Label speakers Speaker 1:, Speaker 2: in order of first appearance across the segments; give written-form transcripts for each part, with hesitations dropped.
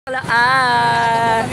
Speaker 1: Hi!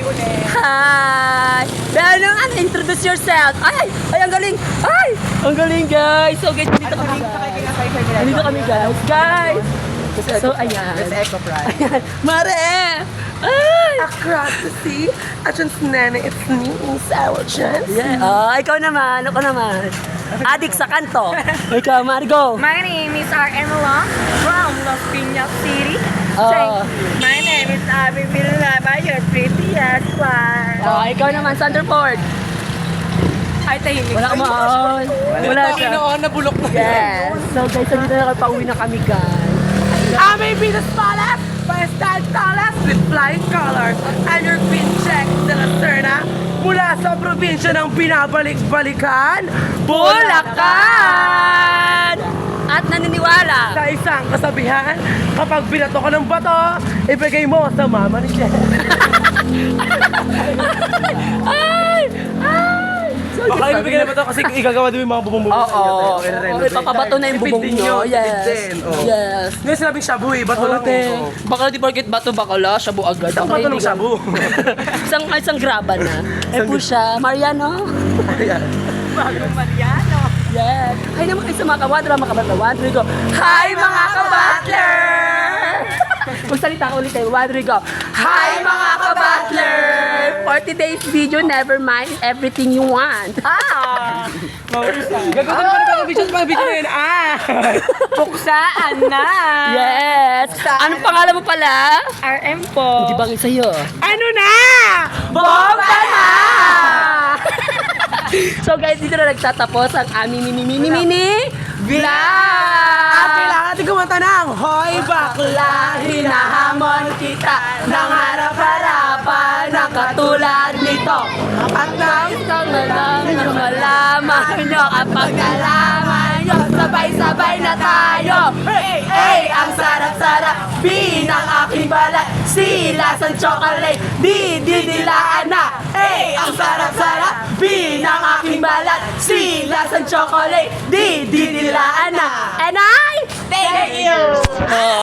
Speaker 1: Belang, introduce yourself. Ay, ang galing. Ay, ang galing guys. So guys, dito kami guys. Dito kami guys. So ayan.
Speaker 2: It's Eco Pride.
Speaker 1: Ayan. Mare! Ay!
Speaker 2: Across the sea, at yung nana, it's me, Sarah Chance.
Speaker 1: Yeah. Ikaw naman. Adik sa kanto. Ikaw, Margo.
Speaker 3: My name is R.M. Long from Las Piñas City. My name is Abby Villalaba, your prettiest one.
Speaker 1: Ikaw naman, Sanderford.
Speaker 3: Ay, tahimik.
Speaker 1: Wala ka maon. Wala siya.
Speaker 2: Nabulok na.
Speaker 1: Yes. So guys, nandito na pauwi na kami guys.
Speaker 2: I may be the smallest, but I stand tallest with flying colors. And your queen check de la Serna, mula sa probinsya ng binabalik-balikan,
Speaker 1: Bulacan! At naniniwala.
Speaker 2: Sa isang kasabihan, kapag binato ka ng bato, ibigay mo sa mama ni Jen.
Speaker 1: Ay! So,
Speaker 2: Baka ibigay na bato kasi igagawa din yung mga bubong-bubong.
Speaker 1: Oo. Papabato na yung bubong nyo. Yes. Yes.
Speaker 2: Ngayon sinabing shabu eh, bato lang
Speaker 1: Okay.
Speaker 2: eh.
Speaker 1: Bakla di porket bato, bakla, shabu agad.
Speaker 2: Isang bato ng shabu.
Speaker 1: isang graba na. Po siya, Mariano.
Speaker 2: Ayan.
Speaker 3: Bagong Mariano.
Speaker 1: Yes. Hi naman kayo sa mga kawadra, mga kabatler. Hi mga kabatler! Magsalita ka ulit tayo. Wadrigo. Hi mga kabatler! For today's video, never mind everything you want.
Speaker 2: Gagawin pa rin pang video na yun.
Speaker 3: Puksaan na.
Speaker 1: Yes! Anong pangalan mo pala?
Speaker 3: RM po.
Speaker 1: Di bangin sa'yo.
Speaker 2: Ano na?
Speaker 1: Bomba na! So guys, dito na nagtatapos ang aming mini vlog!
Speaker 2: At kailangan natin kumanta ng Hoy bakla, hinahamon kita ng harap-harapan ng katulad nito. At nais kang
Speaker 1: Malaman nyo kapag nalaman nyo, sabay-sabay na tayo.
Speaker 2: Hey, ang sarap-sarap, binang aking balat, silasang chocolate, didilaan na. Hey, ang sarap-sarap, binang aking balat, silasang chocolate, didilaan na.
Speaker 1: And I...
Speaker 2: Thank you!